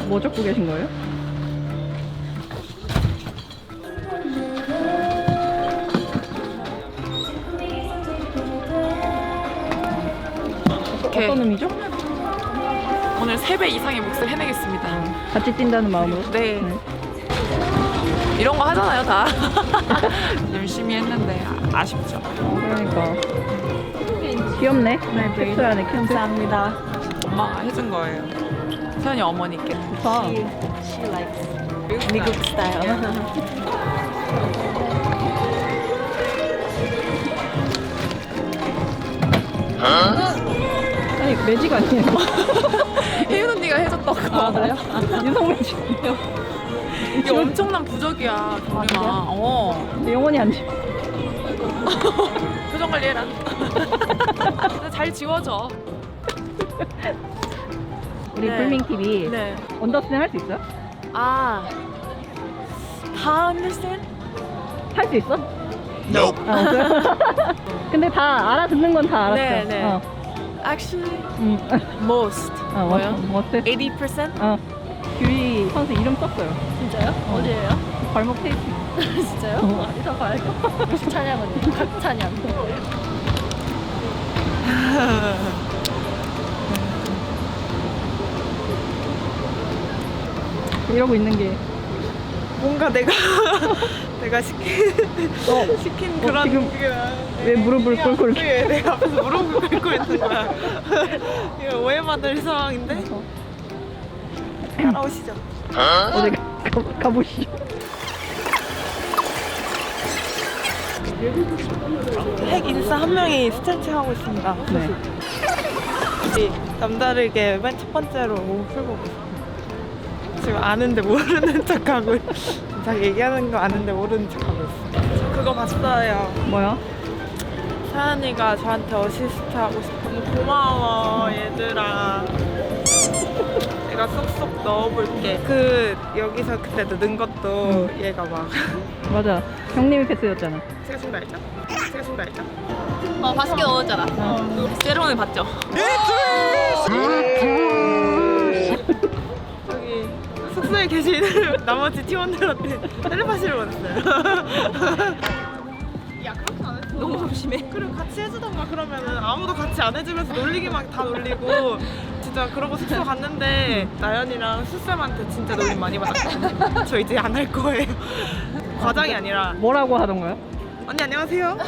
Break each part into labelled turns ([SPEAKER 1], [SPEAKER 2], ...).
[SPEAKER 1] 뭐 적고 계신 거예요? 어떤 의미죠?
[SPEAKER 2] 오늘 3배 이상의 몫을 해내겠습니다.
[SPEAKER 1] 같이 뛴다는 마음으로?
[SPEAKER 2] 네. 이런 거 하잖아요, 다. 열심히 했는데 아쉽죠.
[SPEAKER 1] 그러니까 귀엽네. 텍스 안에
[SPEAKER 2] 감사합니다. 엄마가 해준 거예요. 서연이 어머니께.
[SPEAKER 1] 좋다.
[SPEAKER 2] She likes 미국 스타일.
[SPEAKER 1] 아니 매직 아니에요?
[SPEAKER 2] 혜윤 언니가 해줬다고.
[SPEAKER 1] 아 그래요? 유성 매직이요.
[SPEAKER 2] 이게 엄청난 부적이야, 경림아.
[SPEAKER 1] 그래요? 근데 영원히 안 돼.
[SPEAKER 2] 표정 관리해라. 잘 지워져.
[SPEAKER 1] 우리
[SPEAKER 2] 네.
[SPEAKER 1] 불밍 TV
[SPEAKER 2] 네.
[SPEAKER 1] 언더스탠 할 수 있어요?
[SPEAKER 2] 아, 다 understand?
[SPEAKER 1] 할 수 있어?
[SPEAKER 3] Nope.
[SPEAKER 1] 아 없어요? 근데 다 알아듣는 건 다 알았어.
[SPEAKER 2] 네, 네.
[SPEAKER 1] 어.
[SPEAKER 2] Actually,
[SPEAKER 1] 응.
[SPEAKER 2] most.
[SPEAKER 1] 뭐요? 뭐트?
[SPEAKER 2] 80%?
[SPEAKER 1] 어. 규리 선수 이름 썼어요.
[SPEAKER 4] 진짜요? 어디예요?
[SPEAKER 1] 발목 테이프.
[SPEAKER 4] 진짜요? 어디서 봐요? 무슨 찬양은? 각 찬양.
[SPEAKER 1] 이러고 있는 게
[SPEAKER 2] 뭔가 내가 시킨 그런
[SPEAKER 1] 지금
[SPEAKER 2] 그게
[SPEAKER 1] 왜 무릎을 꿇고 이렇게
[SPEAKER 2] 왜 내가 앞에서 무릎을 꿇고 있는 거야. 이거 오해받을 상황인데. 따라오시죠.
[SPEAKER 1] 어디 가보시죠.
[SPEAKER 2] 핵 인싸 한 명이 스트레칭 하고 있습니다.
[SPEAKER 1] 네.
[SPEAKER 2] 남다르게 맨 첫 번째로 몸 풀고 지금 아는데 모르는 척하고 자기 얘기하는 거 아는데 모르는 척하고 있어. 저 그거 봤어요.
[SPEAKER 1] 뭐야?
[SPEAKER 2] 사연이가 저한테 어시스트 하고 싶으면 고마워 얘들아. 내가 쏙쏙 넣어볼게. 여기서 그때 넣은 것도 얘가 막
[SPEAKER 1] 맞아. 형님이 패스였잖아.
[SPEAKER 2] 제가 준거 알죠? 제가 준거 알죠?
[SPEAKER 4] 맛있게 넣었잖아.
[SPEAKER 2] 세로는 봤죠? 여기 숙소에 계신 나머지 팀원들한테 텔레파시를 보냈어요. 야 그렇게 안 했어. 너무 조심해. 그래 같이 해주던가 그러면은 아무도 같이 안 해주면서 놀리기만 다 놀리고 진짜 그러고 숙소 갔는데 나연이랑 수쌤한테 진짜 놀림 많이 받았거든요. 저 이제 안 할 거예요. 과장이 아니라
[SPEAKER 1] 뭐라고 하던가요?
[SPEAKER 2] 언니 안녕하세요.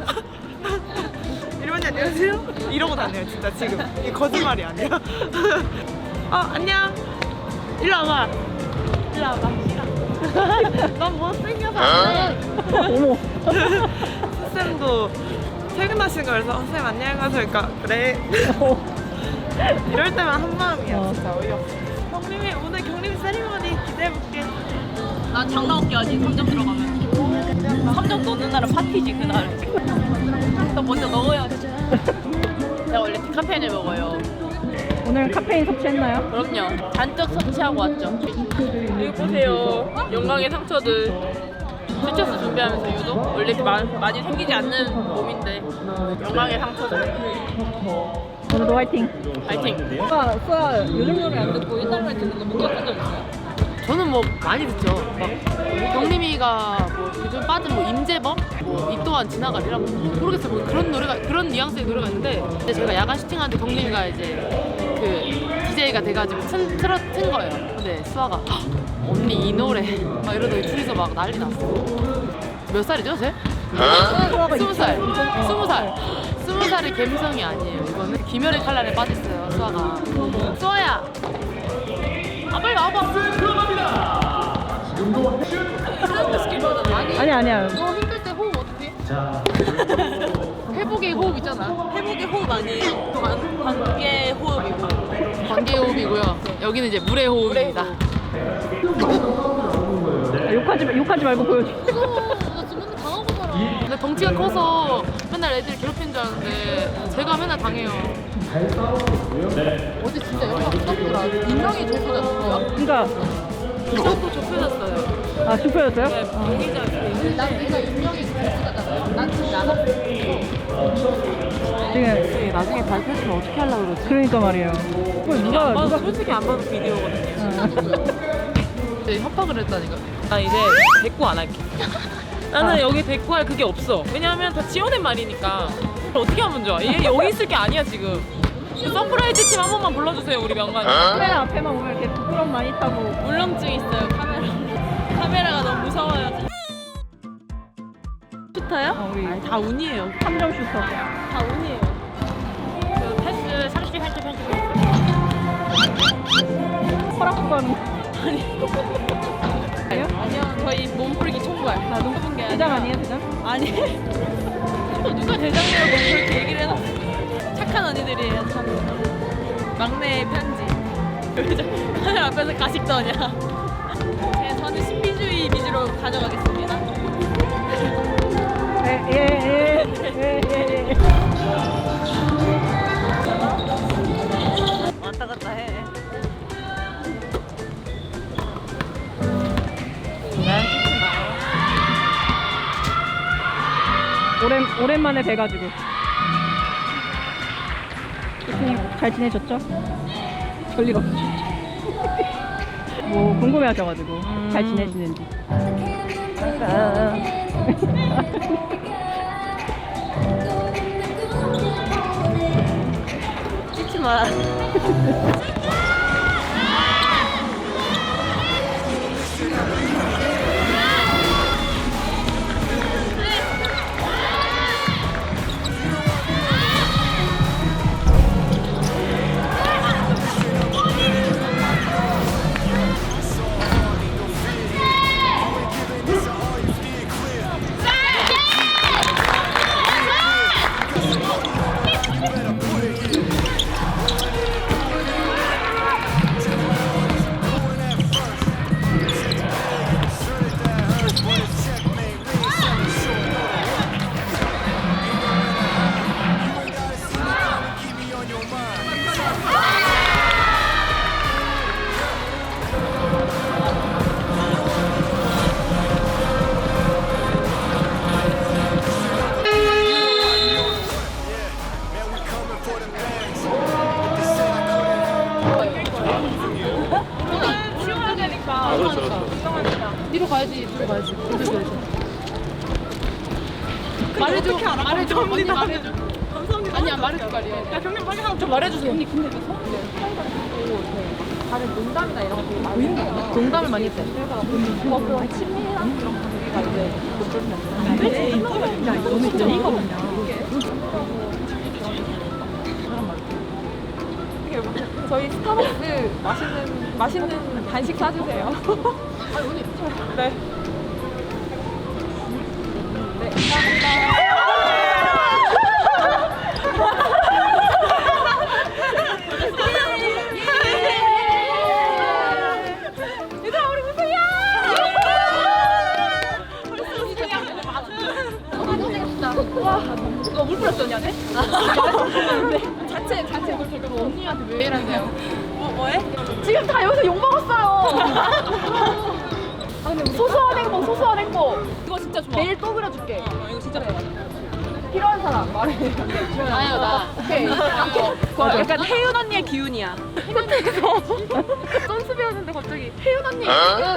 [SPEAKER 2] 이러면 안녕하세요. 이러고 다녀요 진짜 지금. 이 거짓말이 아니야. 안녕. 일로 와봐. 일로 와봐. 넌 못생겨서 안 돼.
[SPEAKER 1] 어머.
[SPEAKER 2] 쌤도 퇴근하신 거 그래서 쌤 안녕하세요. 그러니까 그래. 이럴 때만 한 마음이야. 진짜 어이없어. 경림이 오늘 경림 세리머니 기대해볼게.
[SPEAKER 4] 난 장난 없게 하지. 3점 들어가면. 3점 넣는 날은 파티지 그날. 너 먼저 넣어야지. 내가 원래 디카페인을 먹어요.
[SPEAKER 1] 오늘 카페인 섭취했나요?
[SPEAKER 4] 그럼요. 잔뜩 섭취하고 왔죠. 여기 보세요. 영광의 상처들. 스트레스 준비하면서 유독 원래 이렇게 많이 생기지 않는 몸인데 영광의 상처들.
[SPEAKER 1] 오늘도 화이팅.
[SPEAKER 4] 파이팅.
[SPEAKER 1] 수아 요즘 노래 안 듣고
[SPEAKER 4] 옛날에 듣는 거 못 겪은 적 있어요?
[SPEAKER 5] 저는 뭐 많이 듣죠. 막 경림이가 뭐 요즘 빠진 뭐 임재범, 뭐 이 또한 지나가리라 모르겠어요. 뭐 그런 노래가 그런 뉘앙스의 노래가 있는데 근데 제가 야간 슈팅하는데 경림이가 이제 그 DJ가 돼가지고 틀은 거예요. 근데 수아가 "헉, 언니 이 노래 막 이러더니 둘이서 막 난리 났어. 몇 살이죠, 쟤? 20살. 20살. 20살이 갬성이 아니에요. 이거는 김열의 칼날에 빠졌어요, 수아가. 수아야. 아 빨리 와봐.
[SPEAKER 1] 아니야.
[SPEAKER 5] 너 힘들 때 호흡 어떻게? 회복의 호흡 있잖아.
[SPEAKER 4] 회복의 호흡 아니에요. 관계 호흡이고.
[SPEAKER 5] 관계 호흡이고요. 여기는 이제 물의 호흡입니다.
[SPEAKER 1] 욕하지 말고 보여줘.
[SPEAKER 5] 나 지금 맨날 당하고 살아. 근데 덩치가 커서 맨날 애들 괴롭히는 줄 알았는데 제가 맨날 당해요. 어제 진짜 영화 부럽더라. 인명이 좁혀졌어요.
[SPEAKER 1] 그러니까
[SPEAKER 5] 이쪽도 좁혀졌어요.
[SPEAKER 1] 아 좁혀졌어요?
[SPEAKER 5] 난 내가 인명이 좁혀졌잖아요. 난 진짜 안 아팠어.
[SPEAKER 1] 지금
[SPEAKER 5] 나중에 발표했으면 어떻게 하려고 그러지?
[SPEAKER 1] 그러니까 말이에요. 그걸 누가
[SPEAKER 2] 솔직히 안 봐도 비디오거든요.
[SPEAKER 5] 협박을 했다니까.
[SPEAKER 2] 나 이제 대꾸 안 할게. 나는 여기 대꾸할 그게 없어. 왜냐하면 다 지어낸 말이니까. 어떻게 하면 좋아? 얘 여기 있을 게 아니야 지금. 그 서프라이즈 팀 한 번만 불러주세요 우리 명관이.
[SPEAKER 1] 카메라 앞에만 오면 이렇게 부끄럼 많이 타고.
[SPEAKER 4] 울렁증 있어요 카메라가 너무 무서워요. 슈터요?
[SPEAKER 1] 우리
[SPEAKER 5] 다 운이에요.
[SPEAKER 1] 3점 슈터.
[SPEAKER 4] 다 운이에요. 그 패스 30, 30, 30.
[SPEAKER 1] 허락 구하는.
[SPEAKER 4] 아니요 저희 몸풀기 총괄. 다 높은 게
[SPEAKER 1] 대장
[SPEAKER 4] 아니라.
[SPEAKER 1] 아니에요 대장?
[SPEAKER 4] 아니. 누가 대장이라고 그렇게 얘기를 해놨어. 착한 언니들이에요 참. 막내의 편지. 왜 카메라 앞에서 가식 떠냐. 네, 저는 신비주의 위주로 가져가겠습니다.
[SPEAKER 1] 예.
[SPEAKER 2] 왔다 갔다 해.
[SPEAKER 1] 오랜만에 뵈가지고. 교수님 잘 지내셨죠? 별일 없으셨죠? 뭐 궁금해하셔가지고 잘 지내시는지.
[SPEAKER 2] 찍지 마.
[SPEAKER 5] 뒤로 가야지. 말해줘. 언니 말해줘.
[SPEAKER 2] 감사합니다.
[SPEAKER 5] 아니야 말해줄 거 아니야.
[SPEAKER 2] 야 경님 빨리 하나
[SPEAKER 5] 좀 말해주세요. 언니 근데 그 서울에 다른 농담이나 이런 거 되게 많이 했어요. 농담을 많이 했대. 그래서 친밀한 그런 관계가 이제 너는 진짜 이거 뭐냐.
[SPEAKER 4] 저희 스타벅스 맛있는 간식 사주세요.
[SPEAKER 5] 아니 언니
[SPEAKER 2] 네.
[SPEAKER 4] 네, 감사합니다. 얘들아 우리 우승이야! 와, 너물 뿌렸어 언니한테? 자체
[SPEAKER 5] 언니한테 왜 이러세요?
[SPEAKER 2] 뭐해?
[SPEAKER 4] 지금 다 여기서 욕 먹었어요. 아 근데 소소한 행복. 이거 진짜 좋아. 내일 또 그려줄게. 이거 진짜 좋아. 필요한 사람 말해.
[SPEAKER 5] 나요 나.
[SPEAKER 4] 오케이.
[SPEAKER 2] 그거 약간 혜윤 언니의 기운이야.
[SPEAKER 4] 선수 배웠는데 갑자기 혜윤 언니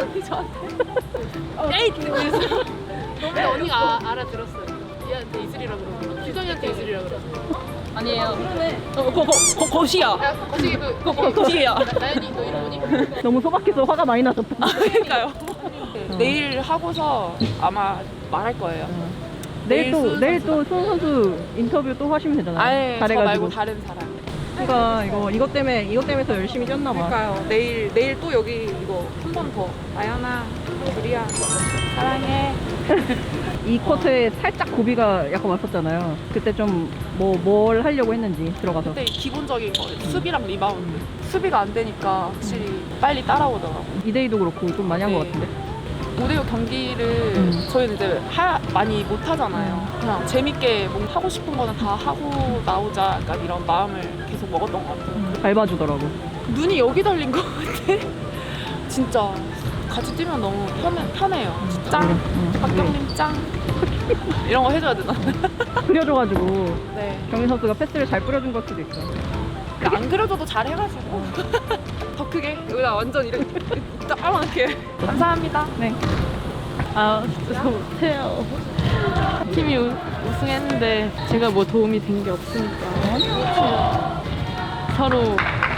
[SPEAKER 4] 저한테 에잇 그래서
[SPEAKER 5] 근데 언니가 알아들었어요. 얘한테 이슬이라고 그러고 규정이한테 이슬이라고 그러고.
[SPEAKER 4] 아니에요. 그러네.
[SPEAKER 2] 거시야.
[SPEAKER 5] 야 거시기 그
[SPEAKER 2] 거시야.
[SPEAKER 5] 나연이 너 이름이?
[SPEAKER 1] 너무 소박해서 화가 많이 나셨다.
[SPEAKER 2] 그러니까요. 내일 하고서 아마 말할 거예요.
[SPEAKER 1] 내일 또
[SPEAKER 2] 선수가.
[SPEAKER 1] 수원 선수 인터뷰 또 하시면 되잖아요.
[SPEAKER 2] 아예 저
[SPEAKER 1] 잘해가지고.
[SPEAKER 2] 말고 다른 사람.
[SPEAKER 1] 그러니까 이것 때문에 더 열심히 뛰었나 봐.
[SPEAKER 2] 그러니까요. 내일 또 여기 이거 한 번 더. 아연아, 우리야, 사랑해.
[SPEAKER 1] 이 쿼터에 살짝 고비가 약간 왔었잖아요. 그때 좀 뭘 하려고 했는지 들어가서.
[SPEAKER 2] 근데 기본적인 거 수비랑 리바운드. 수비가 안 되니까 확실히 빨리 따라오더라고.
[SPEAKER 1] 2대2도 그렇고 좀 많이 한 것
[SPEAKER 2] 네.
[SPEAKER 1] 같은데.
[SPEAKER 2] 5대6 경기를 저희는 이제 많이 못 하잖아요. 그냥 재밌게 뭔가 하고 싶은 거는 다 하고 나오자 약간 이런 마음을 계속 먹었던 것 같아요.
[SPEAKER 1] 밟아주더라고.
[SPEAKER 2] 눈이 여기 달린 것 같아.
[SPEAKER 5] 진짜 같이 뛰면 너무 편해요. 짱. 박경림 짱. 이런 거 해줘야 되나?
[SPEAKER 1] 그려줘가지고
[SPEAKER 5] 네.
[SPEAKER 1] 경민 선수가 패스를 잘 뿌려준 걸 수도 있어.
[SPEAKER 5] 안 그려줘도 잘 해가지고. 더 크게. 여기다 완전 이렇게 따라놓게. 감사합니다.
[SPEAKER 1] 네.
[SPEAKER 5] 아, 진짜 못해요. 팀이 우승했는데 제가 뭐 도움이 된 게 없으니까. 서로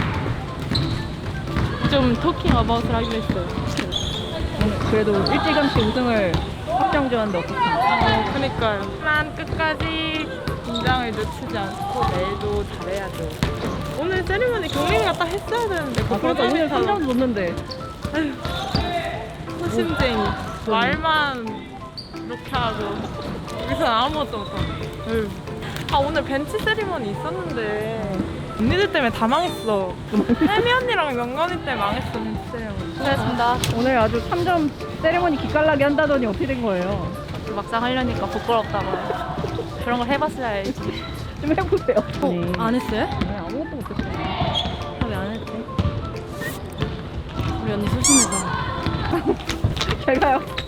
[SPEAKER 5] 좀 토킹 어바웃을 하기로 했어요.
[SPEAKER 1] 오늘 그래도 일찌감치 우승을 확정지었는데 어떻습니까?
[SPEAKER 2] 그니까요. 하지만 끝까지 긴장을 늦추지 않고 내일도 잘해야죠. 오늘 세리머니 경림이가 딱 했어야 되는데
[SPEAKER 1] 아, 그러니까 오늘 3점 놓는데
[SPEAKER 2] 소심쟁이. 말만 이렇게 하고 여기서 아무것도 못하고. 아 오늘 벤치 세리머니 있었는데 언니들 때문에 다 망했어. 혜미 언니랑 명건이 때문에 망했어 벤치 세리머니.
[SPEAKER 5] 수고하셨습니다.
[SPEAKER 1] 오늘 아주 3점 세레머니 기깔나게 한다더니 어떻게 된 거예요?
[SPEAKER 5] 막상 하려니까 부끄럽다고요. 그런 걸 해봤어야 알지.
[SPEAKER 1] 좀 해보세요. 아니,
[SPEAKER 5] 안 했어요?
[SPEAKER 1] 네, 아무것도 못했어요.
[SPEAKER 5] 왜 안 했지? 우리 언니 소심해서.
[SPEAKER 1] 제가요?